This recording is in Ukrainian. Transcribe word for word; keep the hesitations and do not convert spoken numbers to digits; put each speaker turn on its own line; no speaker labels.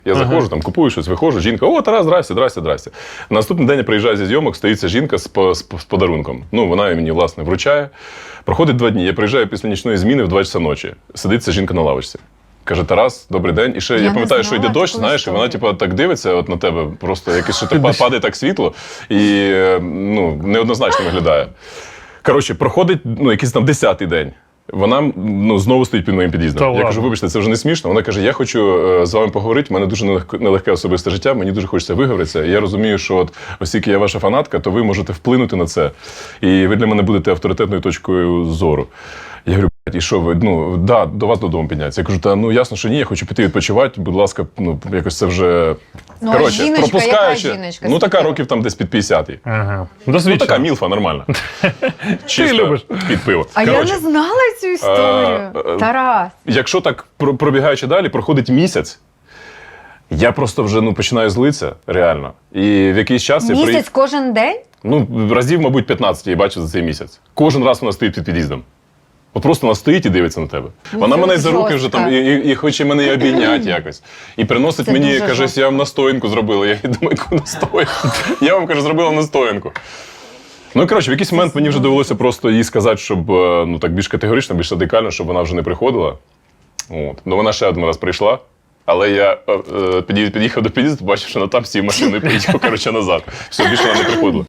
Я заходжу, там, купую щось, виходжу, жінка, о, Тарас, здрасте, здрасте, здрасте. На наступний день я приїжджаю зі зйомок, стоїть ця жінка з, з, з подарунком. Ну, вона мені, власне, вручає. Проходить два дні, я приїжджаю після нічної зміни в два часа ночі. Сидить ця жінка на лавочці. Каже, Тарас, добрий день. І ще я, я пам'ятаю, що йде дощ, знаєш, і вона типу, так дивиться от на тебе, просто якесь що так падає так світло, і ну, неоднозначно виглядає. Коротше, проходить ну, якийсь там десятий день. Вона ну, знову стоїть під моїм під'їздом.
Та
я
ладно.
кажу, вибачте, це вже не смішно. Вона каже, я хочу е, з вами поговорити, в мене дуже нелегке, нелегке особисте життя, мені дуже хочеться виговоритися. І я розумію, що от, оскільки я ваша фанатка, то ви можете вплинути на це. І ви для мене будете авторитетною точкою зору. Я говорю, і що ви, ну, да, до вас додому підняться. Я кажу, та ну ясно, що ні, я хочу піти відпочивати, будь ласка, ну, якось це вже...
Ну,
коротше,
а жіночка,
пропускаючи,
яка жіночка?
ну така років там десь під п'ятдесят.
Ага.
Ну така мілфа, нормальна. Чисто
любиш.
під пиво.
А
Коротше,
я не знала цю історію.
а, а,
Тарас.
Якщо так про- пробігаючи далі, проходить місяць, я просто вже ну, починаю злитися, реально. І в якийсь час я
Місяць
приїхав.
кожен день?
Ну, разів, мабуть, п'ятнадцять я її бачу за цей місяць. Кожен раз вона стоїть під під'їздом. От просто вона стоїть і дивиться на тебе. Вона
це
мене за руки вже
жорстко.
там, і, і, і хоче мене і обійняти якось. І приносить
Це
мені,
дуже
каже,
жорстко.
я вам настоянку зробила. Я думаю, яку настоянку? Я вам, каже, зробила настоянку. Ну, коротше, в якийсь момент мені вже довелося просто їй сказати, щоб е, ну, так більш категорично, більш радикально, щоб вона вже не приходила. От. Ну, вона ще один раз прийшла, але я е, е, під'їхав до під'їзду, бачив, що вона там сів машиною і поїхав, коротше, назад. Все, більше вона не приходила.